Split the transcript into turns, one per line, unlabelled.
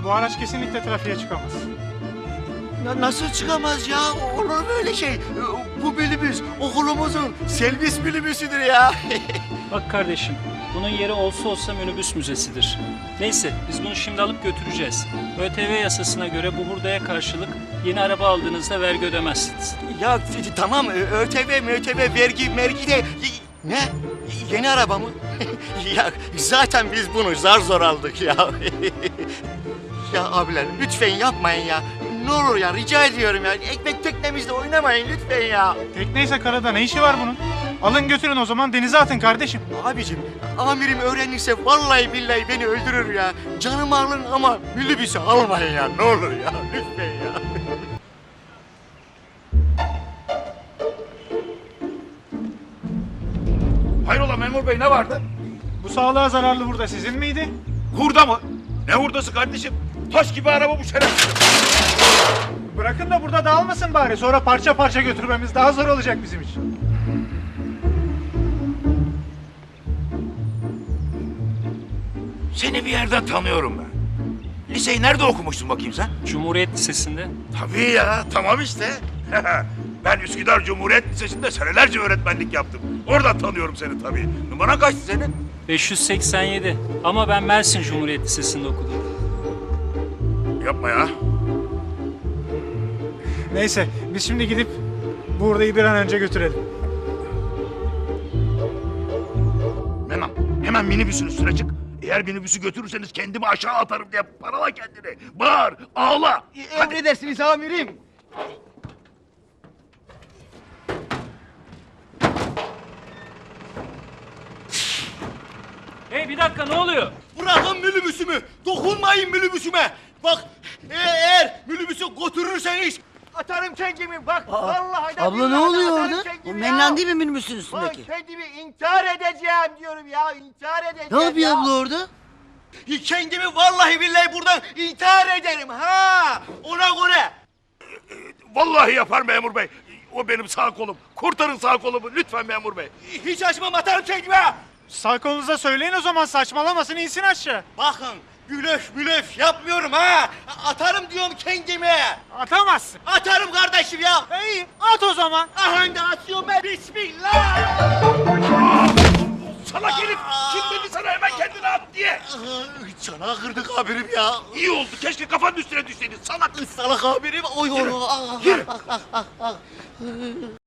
bu araç kesinlikle trafiğe çıkamaz.
Nasıl çıkamaz ya? Olur mu öyle şey? Bu minibüs okulumuzun servis minibüsüdür ya.
Bak kardeşim, bunun yeri olsa olsa minibüs müzesidir. Neyse, biz bunu şimdi alıp götüreceğiz. ÖTV yasasına göre bu hurdaya karşılık yeni araba aldığınızda vergi ödemezsiniz.
Ya tamam, ÖTV, vergi de... Ne? Yeni araba mı? Ya zaten biz bunu zar zor aldık ya. Ya abiler lütfen yapmayın ya. Ne olur ya, rica ediyorum ya. Ekmek teknemizle oynamayın lütfen ya.
Tekneyse karada ne işi var bunun? Alın götürün o zaman, denize atın kardeşim.
Abicim, amirim öğrenirse vallahi billahi beni öldürür ya. Canımı alın ama minibüsü almayın ya. Ne olur ya, lütfen ya.
Hayrola memur bey, ne vardı?
Bu sağlığa zararlı hurda sizin miydi?
Hurda mı? Ne hurdası kardeşim? Taş gibi araba bu şerefsiz.
Bırakın da burada dağılmasın bari. Sonra parça parça götürmemiz daha zor olacak bizim için.
Seni bir yerden tanıyorum ben. Liseyi nerede okumuştun bakayım sen?
Cumhuriyet Lisesi'nde.
Tabii ya, tamam işte. Ben Üsküdar Cumhuriyet Lisesi'nde senelerce öğretmenlik yaptım. Oradan tanıyorum seni tabii. Numaran kaçtı senin?
587. Ama ben Mersin Cumhuriyet Lisesi'nde okudum.
Yapma ya.
Neyse, biz şimdi gidip bu hurdayı bir an önce götürelim.
Hemen minibüsün üstüne çık. Eğer minibüsü götürürseniz kendimi aşağı atarım diye parala kendini. Bağır, ağla. Hadi.
Emredersiniz amirim.
Hey bir dakika, ne oluyor?
Bırakın minibüsümü. Dokunmayın minibüsüme. Bak, eğer minibüsü götürürseniz atarım kendimi. Bak, vallahi de
Abla ne
billahi
oluyor
atarım
orada?
kendimi
O
ya.
menlan değil mi minibüsün
Ben
üstündeki?
kendimi intihar edeceğim diyorum ya. İntihar edeceğim
Ne yapıyor
ya.
abla orada?
Kendimi vallahi billahi buradan intihar ederim ha. Ona göre.
Vallahi yapar memur bey. O benim sağ kolum. Kurtarın sağ kolumu lütfen memur bey.
Hiç açmam, atarım kendime.
Sağ kolunuza söyleyin o zaman, saçmalamasın, insin aşağı.
Bakın, blöf yapmıyorum ha. Atarım diyorum kendime.
Atamazsın.
Atarım kardeşim ya.
İyi, at o zaman.
Aha da atıyorum ben. Bismillah.
Salak herif. Kim dedi sana hemen kendini at diye?
Çanağı kırdık abirim ya.
İyi oldu. Keşke kafanın üstüne düşseydin salak.
Salak abirim. Oy oy oy.